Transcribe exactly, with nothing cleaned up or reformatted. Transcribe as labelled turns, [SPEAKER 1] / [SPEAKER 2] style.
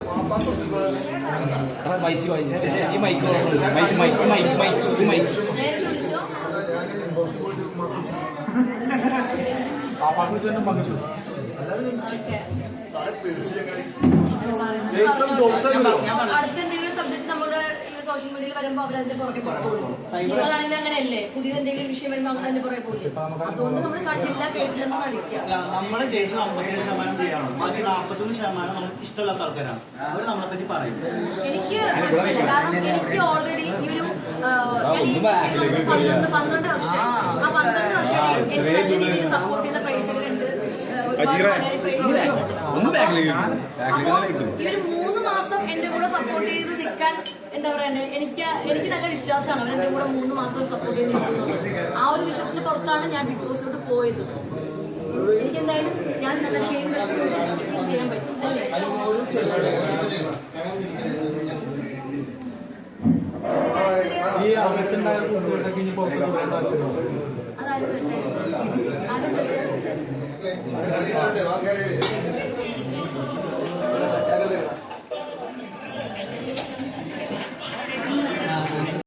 [SPEAKER 1] Mic ഈ mic mic mic mic mic mic
[SPEAKER 2] അടുത്തെന്തെങ്കിലും subject നമ്മുടെ സോഷ്യൽ മീഡിയയിൽ വരുമ്പോ അവരതിന്റെ പുറകെ പോകും. നിങ്ങളാണെങ്കിൽ അങ്ങനെയല്ലേ, പുതിയ എന്തെങ്കിലും വിഷയം വരുമ്പോ അവർ അതിന്റെ പുറകെ പോകും. അതുകൊണ്ട് നമ്മൾ കണ്ടില്ല കേട്ടില്ലെന്ന് നടിക്കുക.
[SPEAKER 3] നമ്മൾ ജയിച്ചത് അമ്പത്തേഴ് ശതമാനം ചെയ്യണം, ബാക്കി നാൽപ്പത്തൊന്ന് ശതമാനം നമുക്ക് ഇഷ്ടമുള്ള ആൾക്കാരാണ്. അവർ നമ്മളെ പറ്റി പറയും.
[SPEAKER 2] എനിക്ക് പ്രശ്നമില്ല, കാരണം എനിക്ക് ഓൾറെഡി ഈ ഒരു പന്ത്രണ്ട് പന്ത്രണ്ട് വർഷം ആ പന്ത്രണ്ട് വർഷം എന്നെ നല്ല രീതിയിൽ സപ്പോർട്ട് ചെയ്ത പ്രേക്ഷകരുണ്ട്. ഈ ഒരു മൂന്ന് മാസം എന്റെ കൂടെ സപ്പോർട്ട് ചെയ്ത് നിൽക്കാൻ എന്താ പറയാ, എനിക്ക് എനിക്ക് നല്ല വിശ്വാസമാണ് അവർ എന്റെ കൂടെ മൂന്ന് മാസം സപ്പോർട്ട് ചെയ്ത് നിൽക്കുന്നത്. ആ ഒരു വിശ്വാസത്തിന്റെ പുറത്താണ് ഞാൻ ബിഗ് ബോസിലോട്ട് പോയത്. എനിക്ക് എന്തായാലും ഞാൻ നല്ല ഗെയിം കളിച്ചുകൊണ്ട് ചെയ്യാൻ പറ്റും അല്ലേ. അതാരും ചോദിച്ചാൽ ആരും ചോദിച്ചാൽ